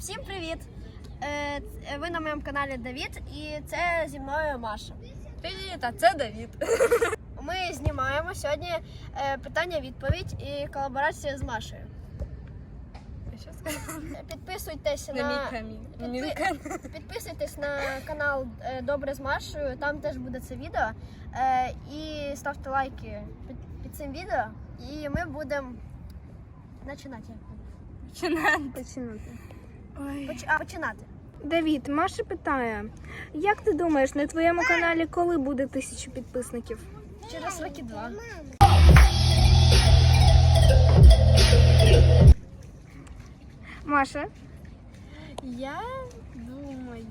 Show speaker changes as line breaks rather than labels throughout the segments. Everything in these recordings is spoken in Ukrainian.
Всім привіт! Ви на моєму каналі Давід і це зі мною Маша.
Привіт, а це Давід.
Ми знімаємо сьогодні питання-відповідь і колаборація з Машею. Підписуйтесь підписуйтесь на канал Добре з Машею, там теж буде це відео. І ставте лайки під цим відео і ми будемо починати. Починати.
Давід, Маша питає, як ти думаєш, на твоєму каналі коли буде 1000 підписників?
Через роки 2.
Маша?
Я думаю,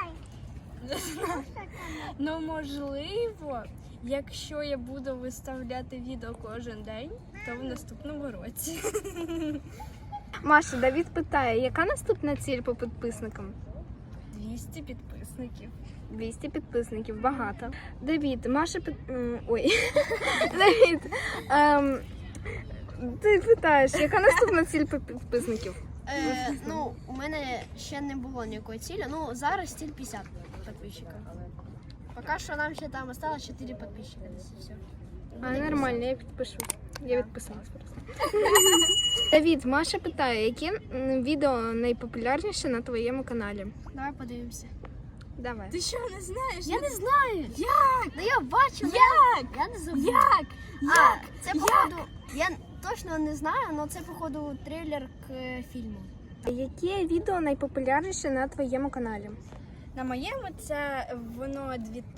ну можливо, якщо я буду виставляти відео кожен день, то в наступному році.
Маша, Давід питає, яка наступна ціль по підписникам?
200 підписників.
200 підписників, багато. Давід, Маша Ой. Давід, ти питаєш, яка наступна ціль по підписників?
Ну, у мене ще не було ніякої цілі. Ну, зараз ціль 50 підписчиків. Поки що нам ще там осталось 4 підписчика. Все.
А, нормально, я підпишу. Я відписалась просто. Давід, Маша питає, які відео найпопулярніше на твоєму каналі?
Давай подивимося.
Давай.
Ти що, не знаєш?
Я не знаю.
Як?
Ну я бачила.
Як?
Я не забула.
Як?
Це походу. Я точно не знаю, але це походу трейлер к фільму.
Яке відео найпопулярніше на твоєму каналі?
На моєму це воно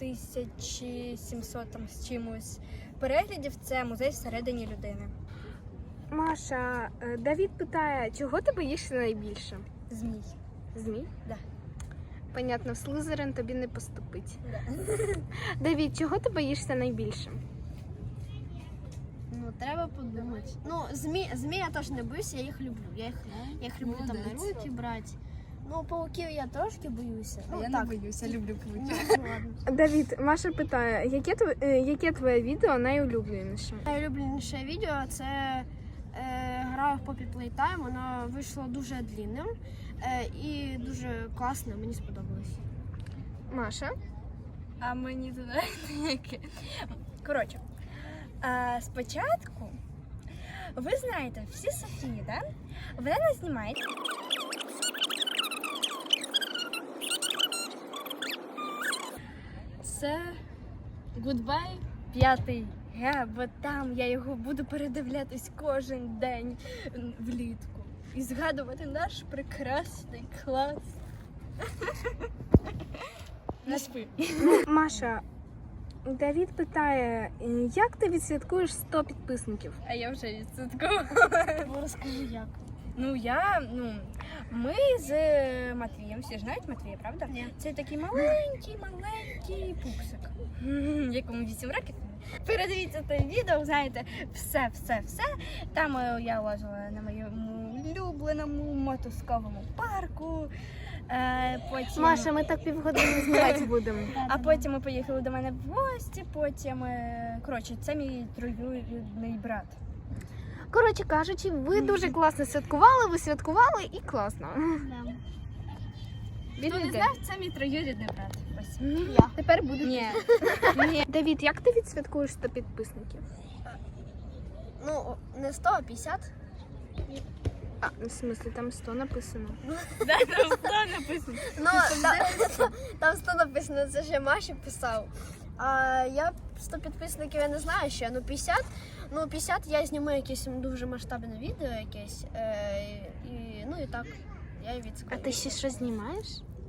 2700 там з чимось переглядів. Це музей всередині людини.
Маша, Давід питає, чого ти боїшся найбільше?
Змій.
Змій?
Да.
Понятно, в Слизерин тобі не поступить.
Да.
Давід, чого ти боїшся найбільше?
Ну, треба подумати. Ну, змій я теж не боюся, я їх люблю. Я їх люблю там на руки брати. Ну, пауків я трошки боюся. Ну,
Я
так.
не боюся, люблю пауків.
Ну, ладно.
Давід, Маша питає, яке твоє відео найулюбленіше?
Найулюбленіше відео це граю в Poppy Playtime. Воно вийшло дуже длинним і дуже класно, мені сподобалось.
Маша?
А мені туди яке. Коротше, спочатку, ви знаєте, всі Софії, да? Вона нас знімає. Це Goodbye 5G, бо там я його буду передивлятись кожен день влітку і згадувати наш прекрасний клас. Не спи.
Маша, Давід питає, як ти відсвяткуєш 100 підписників?
А я вже відсвяткувала.
Розкажи як.
Ми з Матвієм, всі ж знають Матвія, правда?
Ні.
Це такий маленький пупсик, якому 8 років. Передивіться те відео, знаєте, все. Там я лазила на моєму улюбленому мотузковому парку. Потім...
Маша, ми так півгодини знімати будемо.
А потім ми поїхали до мене в гості, потім, коротше, це мій троюрідний брат.
Коротше кажучи, ви дуже класно святкували, ви святкували і класно.
Хто не знав, це мій троюрідний брат. Ось.
Я.
Тепер буде.
Ні.
Давід, як ти відсвяткуєш 100 підписників?
Ну, не 100, а 50.
А, в смислі, там 100 написано.
Да, там 100 написано.
Ну, там 100 написано, це ще Маші писав. А я 100 підписників я не знаю ще, ну 50. Ну 50 я зніму якесь дуже масштабне відео якесь. Ну і так, я і
А
відскажу.
ти ще щось знімаєш?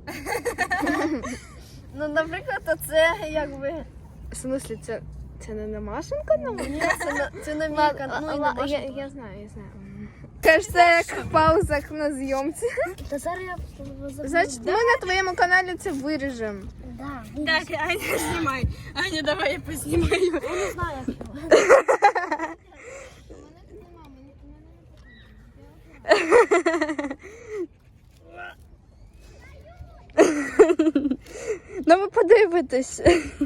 Ну, наприклад, це якби...
В смислі, це не на Машин канал?
Ні, це на мій канал. Ну, і на Маші теж.
Я знаю. Кажется, як в паузах на зйомці.
Та зараз я
Значить, ми на твоєму каналі це виріжемо.
Да.
Так, Аня, знімай. Аня, давай я познімаю.
Я не знаю, як його.
Ну ви подивитесь.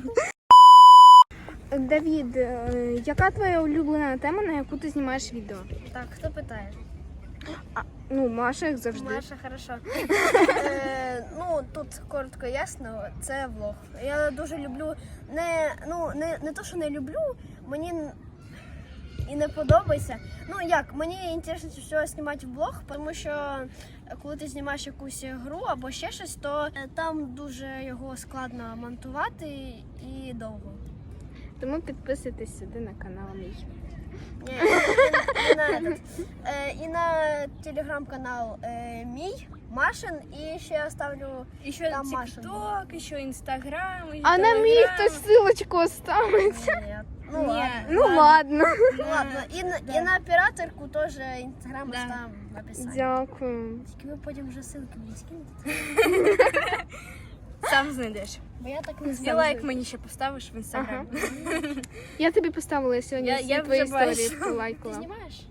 Давід, яка твоя улюблена тема, на яку ти знімаєш відео?
Так, хто питає?
Ну, Маша, як завжди.
Маша, хорошо. Ну, тут коротко ясно, це влог. Я дуже люблю, не то, що не люблю, мені і не подобається. Ну як, мені інтересно всього знімати влог, тому що коли ти знімаєш якусь гру або ще щось, то там дуже його складно монтувати і довго.
Тому підписуйтесь сюди на канал мій.
Ні, і на этот. І на телеграм-канал мій, Машин, і ще я ставлю
Еще
там Машин.
ТикТок, еще Инстаграм.
А на мій хтось ссылочку оставить.
Ні, ну
Ні.
ладно.
Ну ладно.
Ну ладно, і на операторку теж інстаграм
Да.
там в описанні.
Дякую.
Тільки ви потім вже ссылки мені скинете.
Сам знайдеш.
Бо я так не
І
знаю.
лайк мені ще поставиш в Інстаграм.
Я тобі поставила сьогодні
Я
всі
вже
твої історії,
бачу.
Ти
полайкала.
знімаєш?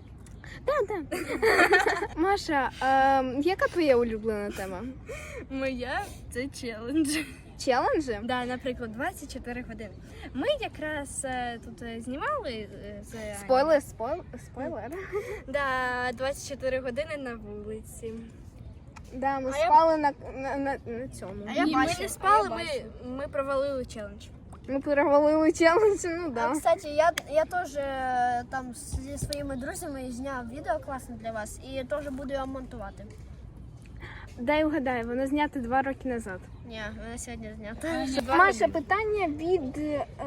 Маша, яка твоя улюблена тема?
Моя це челендж.
Челенджі?
Да, наприклад, 24 години. Ми якраз тут знімали з
Спойлер.
Да, 24 години на вулиці.
Да, ми
А я-
спали на цьому.
А я
Ні, ми
бачу,
не спали,
а я
ми провалили челендж.
Ми перевалили челендж, ну
А,
да.
кстати, я теж там зі своїми друзями зняв відео класне для вас і теж буду його монтувати.
Дай угадаю, воно знято 2 роки назад.
Ні, вона сьогодні знята.
Маша, питання від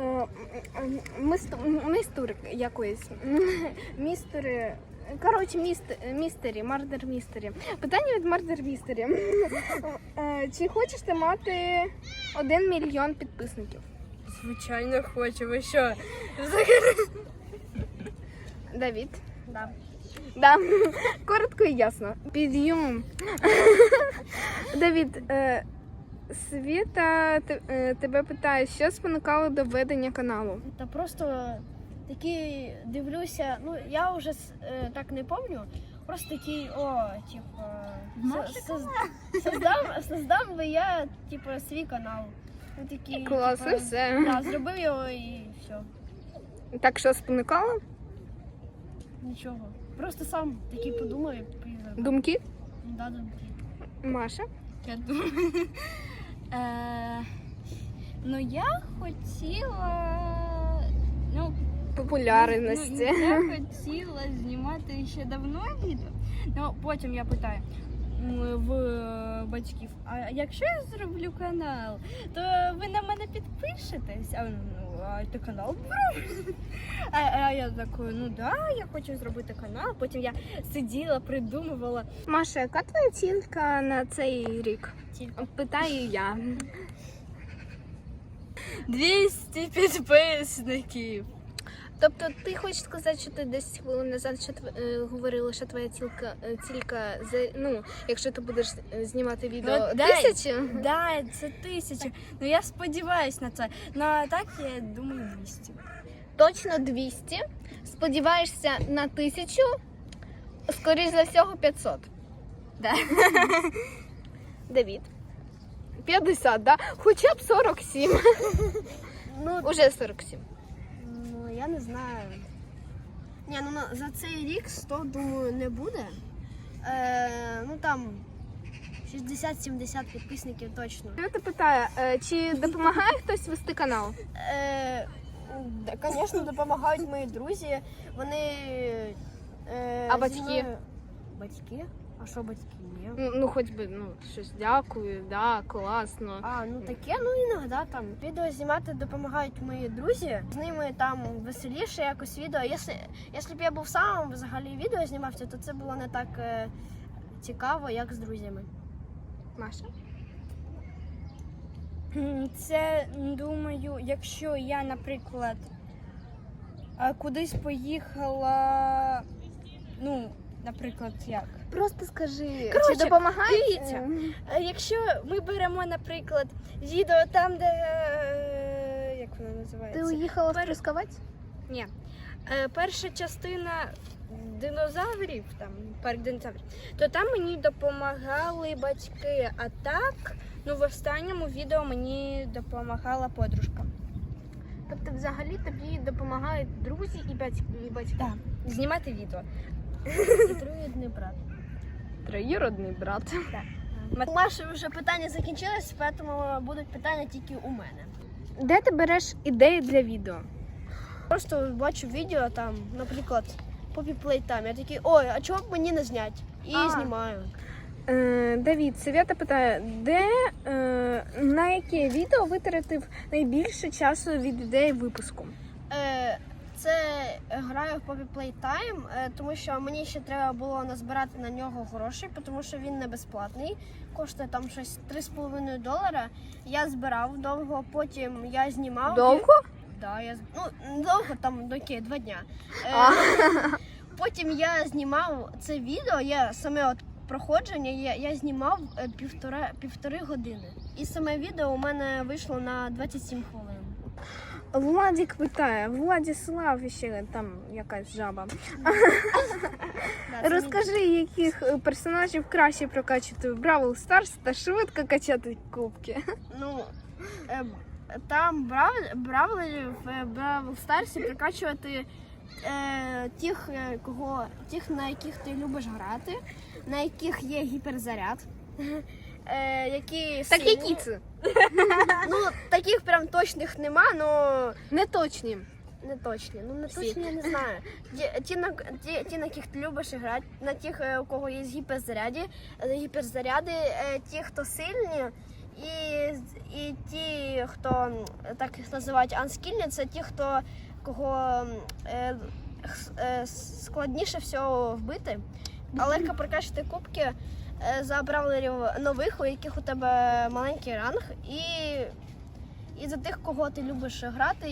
мистури якоїсь. Містери. Коротше, містері, мардер містері. Питання від мардер містері. Чи хочеш ти мати 1 мільйон підписників?
Звичайно, хочу. Ви що?
Давід?
Да.
Да. Коротко і ясно. Підйом. Давід, Світа тебе питає, що спонукало до ведення каналу?
Та просто такі дивлюся, ну я вже так не пам'ятаю, просто такий, создам би я, типу, свій канал. Ну, такий,
Клас, і
типу,
все.
Да, зробив його і все.
Так що спонукало?
Нічого. Просто сам такий подумав і зробив.
Думки?
Да, думки.
Маша?
Я думаю. Ну, я хотіла. Ну,
Популярності.
я хотіла знімати ще давно відео. Ну, потім я питаю в батьків, а якщо я зроблю канал, то ви на мене підпишетесь? А ти канал зробиш? А я такою, ну да, я хочу зробити канал. Потім я сиділа, придумувала.
Маша, яка твоя цілька на цей рік?
Тільки.
Питаю я.
200 підписників.
Тобто ти хочеш сказати, що ти 10 хвилин назад говорила, що твоя цілька, якщо ти будеш знімати відео,
Ну, дай.
1000?
Да, це 1000. Ну я сподіваюсь на це. Ну а так я думаю 200.
Точно 200. Сподіваєшся на 1000, скоріш за всього 500.
Да.
Давід. 50, да? Хоча б 47.
Ну,
Уже 47.
ну, я не знаю. Ні, ну за цей рік 100, думаю, не буде. Ну там 60-70 підписників точно.
Я тебе питаю, чи допомагає хтось вести канал?
Звісно, допомагають мої друзі. Вони.
А
зі
батьки?
мною- Батьки? А що батьки? Ні.
Ну, хоч би, щось дякую, да, класно.
А, ну таке, ну іноді там. Відео знімати допомагають мої друзі. З ними там веселіше якось відео. Якщо б я був сам взагалі відео знімався, то це було не так цікаво, як з друзями.
Маша?
Це, думаю, якщо я, наприклад, кудись поїхала, ну, наприклад, як?
Просто скажи,
Коротше,
чи допомагає?
дивіться. Якщо ми беремо, наприклад, відео там, де, як воно
Ти
називається?
уїхала в Трускавець?
Ні. Перша частина динозаврів, там, парк динозаврів, то там мені допомагали батьки, а так, ну, в останньому відео мені допомагала подружка.
Тобто взагалі тобі допомагають друзі і батьки?
Так. Знімати відео.
І другий брат.
троюродний брат.
У Маші вже питання закінчились, тому будуть питання тільки у мене.
Де ти береш ідеї для відео?
Просто бачу відео там, наприклад, Poppy Playtime. Я такий, ой, а чого б мені не зняти? І знімаю.
Давід, Свята питає, на яке відео витратив найбільше часу від ідеї випуску?
Це граю в Poppy Playtime, тому що мені ще треба було назбирати на нього гроші, тому що він не безплатний. Коштує там щось $3,5. Я збирав довго, потім я знімав.
Довго?
Да, довго, там доки 2 дня. Потім я знімав це відео, саме проходження я знімав півтори години. І саме відео у мене вийшло на 27 хвилин.
Владик питає, Владислав ще там якась жаба. Розкажи, яких персонажів краще прокачувати в Бравл Старс та швидко качати кубки.
Ну, там бравлерів в Бравл Старсі прокачувати тих, на яких ти любиш грати, на яких є гіперзаряд. Які
Так
сильні.
які це?
Ну, таких прям точних нема, но
Не точні.
не точні. Ну, не
Всі.
точні, я не знаю. Ті, на яких ти любиш грати, на тих, у кого є гіперзаряди, ті, хто сильні, і ті, хто так їх називають анскільні, це ті, кого складніше всього вбити, а легко прокачати кубки за бравлерів нових, у яких у тебе маленький ранг, і за тих, кого ти любиш грати,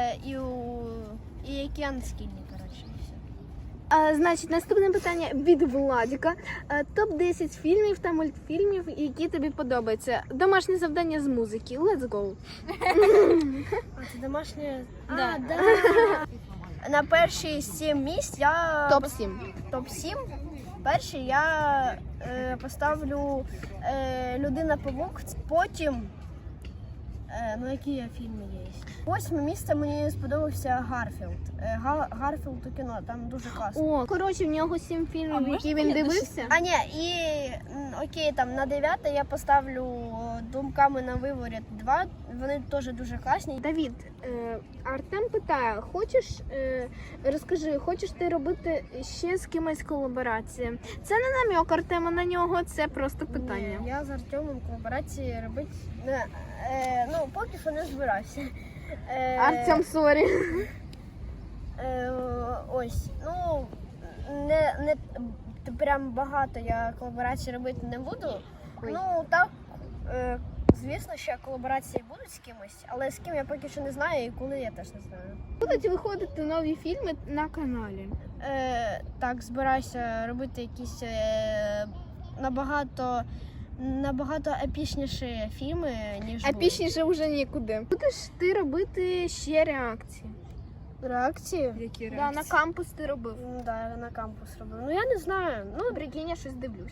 і які анскільні, коротше, і все.
Значить, наступне питання від Владіка. Топ-10 фільмів та мультфільмів, які тобі подобаються. Домашнє завдання з музики. Let's go.
А це домашнє?
Да.
Да. На перші 7 місць я...
Топ-7.
Топ-7. Перший я поставлю Людина-павук, потім, ну які фільми є. 8 місце мені сподобався Гарфілд. Гарфілд у кіно, там дуже класно.
О, коротше, в нього 7 фільмів, які він дивився.
А ні, і окей, там на 9 я поставлю Думками на виворіт 2, вони теж дуже класні.
Давід, Артем питає, розкажи, хочеш ти робити ще з кимось колаборації? Це не намік Артема на нього, це просто питання.
Ні, я з Артемом колаборації робити, ну, поки що не збирався.
Артем, сорі.
Ось, ну, не прям багато я колаборацій робити не буду.
Ой.
Ну, так, звісно, що колаборації будуть з кимось, але з ким я поки що не знаю і коли я теж не знаю.
Будуть виходити нові фільми на каналі.
Так, збираюся робити якісь набагато епічніші фільми, ніж
Епічніше вже нікуди. Будеш ти робити ще реакції?
реакції.
Які реакції? Да, на кампус ти робив.
Да, на кампус робив. Ну я не знаю. Ну,
Прикинь, я щось дивлюсь.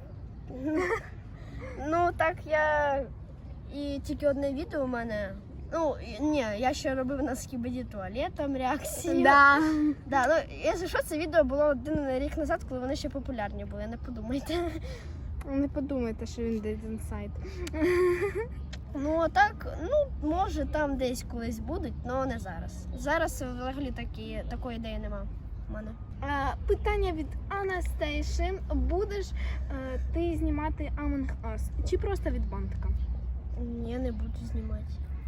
ну так я і тільки одне відео у мене. Ну, ні, я ще робив на Скібіді туалетом реакції.
Да.
Да, ну, якщо що, це відео було 1 рік назад, коли вони ще популярні були, не подумайте.
Не подумайте, що він десь інсайт.
Ну, а так, ну, може там десь колись будуть, але не зараз. Зараз взагалі такої ідеї нема в мене.
Питання від Анастейші. Будеш ти знімати Among Us? Чи просто від бантика?
Ні, не буду знімати.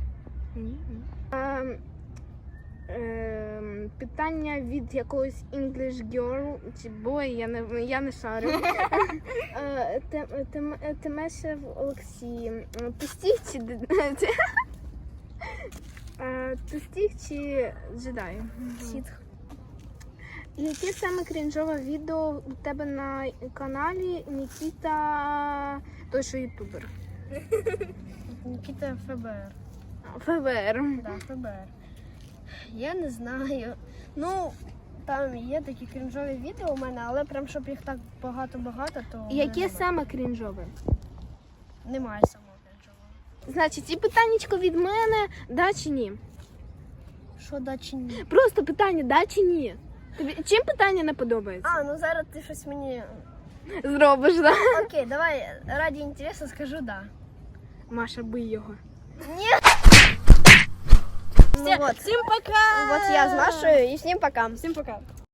Питання від якогось English girl чи boy, я не шарю. Темешев Олексій. Ти стіг чи ти стіг чи джедай?
Сітх.
Яке саме крінжове відео у тебе на каналі Нікіта, той що ютубер?
Нікіта ФБР.
ФБР.
Да, ФБР. Я не знаю. Ну, там є такі крінжові відео у мене, але прям щоб їх так багато-багато, то
Яке саме крінжове?
немає самого крінжового.
Значить, і питаннячко від мене, да чи ні?
Що да чи ні?
Просто питання, да чи ні? Тобі чим питання не подобається?
А, ну зараз ти щось мені
Зробиш, да?
Окей, давай ради інтересу скажу да.
Маша, бий його.
Ну вот,
Всім пока!
вот я з Машею і всім пока.
Всім пока!